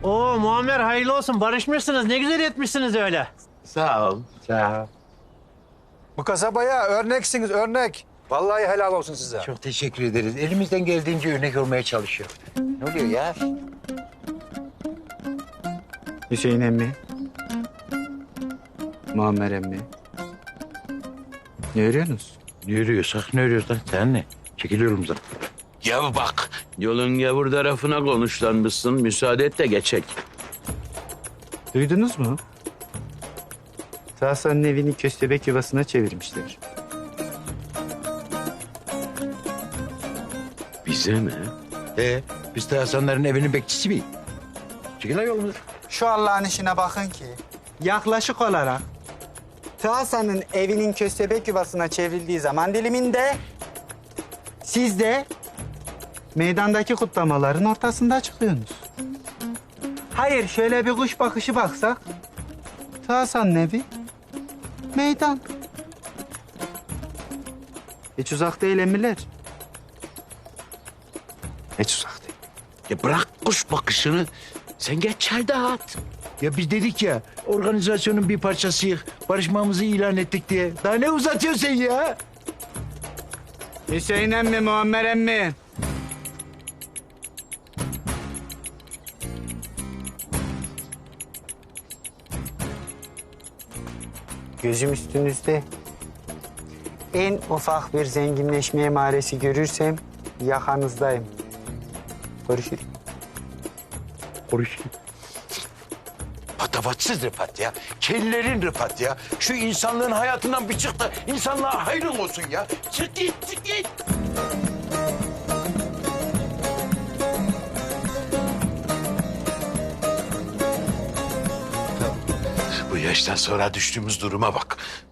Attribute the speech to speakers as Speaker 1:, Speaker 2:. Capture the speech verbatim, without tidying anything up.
Speaker 1: Oo Muammer hayırlı olsun. Barışmışsınız. Ne güzel etmişsiniz öyle.
Speaker 2: Sağ ol. Sağ ol.
Speaker 3: Bu kasabaya örneksiniz, örnek. Vallahi helal olsun size.
Speaker 2: Çok teşekkür ederiz. Elimizden geldiğince örnek olmaya çalışıyoruz. Ne oluyor ya?
Speaker 4: Hüseyin emmi. Muammer emmi. Ne örüyorsunuz?
Speaker 2: Ne yürüyorsak ne yürüyorsak sen ne? Çekil yolumuza.
Speaker 5: Ya bak, yolun gavur tarafına konuşlanmışsın. Müsaade et de geçek.
Speaker 4: Duydunuz mu? Tahsan'ın evini köstebek yuvasına çevirmişler.
Speaker 5: Bize mi?
Speaker 2: Ee, biz de Hasanların evinin bekçisi miyiz? Çekil lan yolumuza.
Speaker 6: Şu Allah'ın işine bakın ki yaklaşık olarak Tahsan'ın evinin köstebek yuvasına çevrildiği zaman diliminde siz de meydandaki kutlamaların ortasında çıkıyorsunuz. Hayır, şöyle bir kuş bakışı baksak Tahsan'ın evi meydan. Hiç uzak değil emmiler. Hiç uzak değil.
Speaker 5: Ya bırak kuş bakışını. Sen geç çay dağıt.
Speaker 2: Ya biz dedik ya organizasyonun bir parçasıyız. Barışmamızı ilan ettik diye. Daha ne uzatıyorsun sen ya?
Speaker 4: Hüseyin emmi, Muammer emmi.
Speaker 6: Gözüm üstünüzde. En ufak bir zenginleşme emaresi görürsem yakanızdayım. Görüşürüz.
Speaker 2: Konuşayım.
Speaker 5: Patavatsız Rıfat ya. Kellerin Rıfat ya. Şu insanlığın hayatından bir çık da insanlığa hayrın olsun ya. Çık git, çık git. Bu yaştan sonra düştüğümüz duruma bak.